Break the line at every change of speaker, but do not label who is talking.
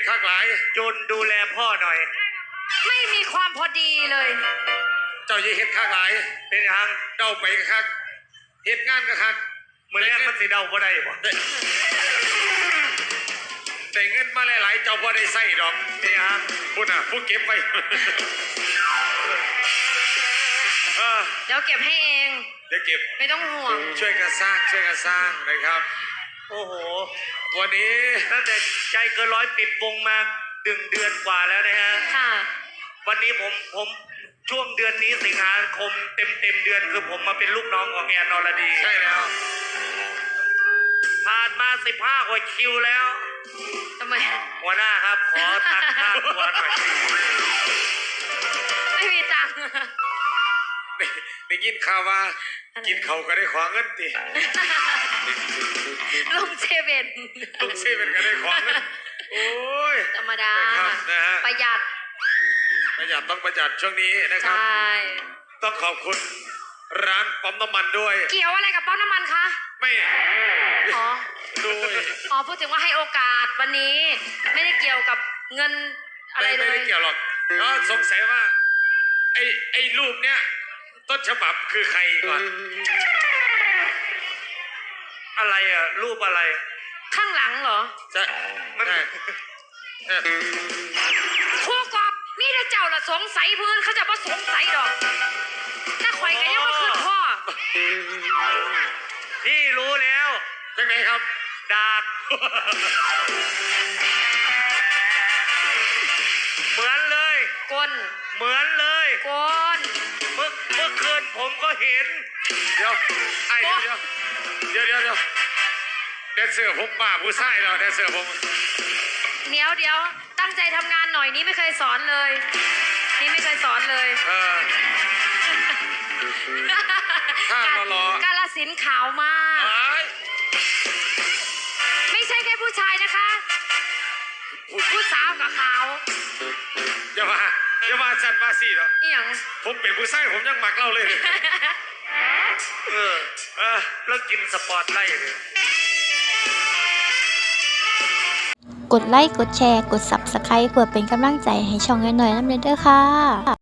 ข้างหลาย
จูนดูแลพ่อหน่อย
ไม่มีความพอดีเลย
เจ้าอย่าเฮ็ดข้างหลาย
เป็นหยัง
เดาไปคักเฮ็ดงานก็คัก
มื้อแรกมันสิเดาบ่ได้บ่
แต่เงินมาหลายๆเจ้าบ่ได้ใส่ดอก
เป็นหยัง
พุ่นน่ะผู้เก็บไว้
เดี๋ยวเก็บให้เอง
เดี๋ยวเก็บ
ไม่ต้องห่วง
ช่วยกันสร้างนะครับ
โอ้โห
วันนี้
ตั้งแต่ใจเกินร้อยปิดวงมา1 เดือนกว่าแล้วนะฮะ
ค่ะ
วันนี้ผมช่วงเดือนนี้สิงหาคมเต็มเดือนคือผมมาเป็นลูกน้องของแอนอรดี
ใช่แล้ว
ผ่านมา15 กว่าคิวแล้ว
ทำไม
หัวหน้าครับขอตังค่าตัวหน่อย
ไม่มีตังค์
ได้ยินข่าวว่ากินเขาก็ได้ขอเงินติ
ลงเซเว่น
ก็ได้ขอเงินโอ้ย
ธรรมดา
นะฮะ
ประหยัด
ต้องประหยัดช่วงนี้นะครับ
ใช่
ต้องขอบคุณร้านปั๊มน้ำมันด้วย
เกี่ยวอะไรกับปั๊มน้ำมันคะ
ไม่
พูดถึงว่าให้โอกาสวันนี้ไม่ได้เกี่ยวกับเงินอะไรเลย
ไม่ได้เกี่ยวหรอกก็สงสัยว่าไอ้รูปเนี้ยต้นฉบับคือใครก่อน
อะไรอ่ะรูปอะไร
ข้างหลังเหรอ
จะมัน
ครูกอบมีแต่เจ้าละสงสัยเพื่อนเขาจะว่าสงสัยดอกถ้าข่อยกันยังว่าคือพ่อ
พี่รู้แล้ว
จังไหนครับ
ดากเหมือนเลย
ก้น
เหมือนเลย
ก้น
เมื่อคืนผมก็เห็น
เดี๋ยวแดนเซอร์ผมบ้าผู้ชายเราแดนเซอร์ผม
เดี๋ยวตั้งใจทำงานหน่อยนี่ไม่เคยสอนเลย
ถ้าก
าลสินขาวมากไม่ใช่แค่ผู้ชายนะคะผู้สาวกับขาว
อย่ามาจันมาสิเนาะผมเป็นผู้ชายผมยังหมักเล่าเลย
แล้วกินสปอร์ตไล่เลย
กดไลค์กดแชร์กด Subscribe เพื่อเป็นกำลังใจให้ช่องน้อยๆน้ำเด้อค่ะ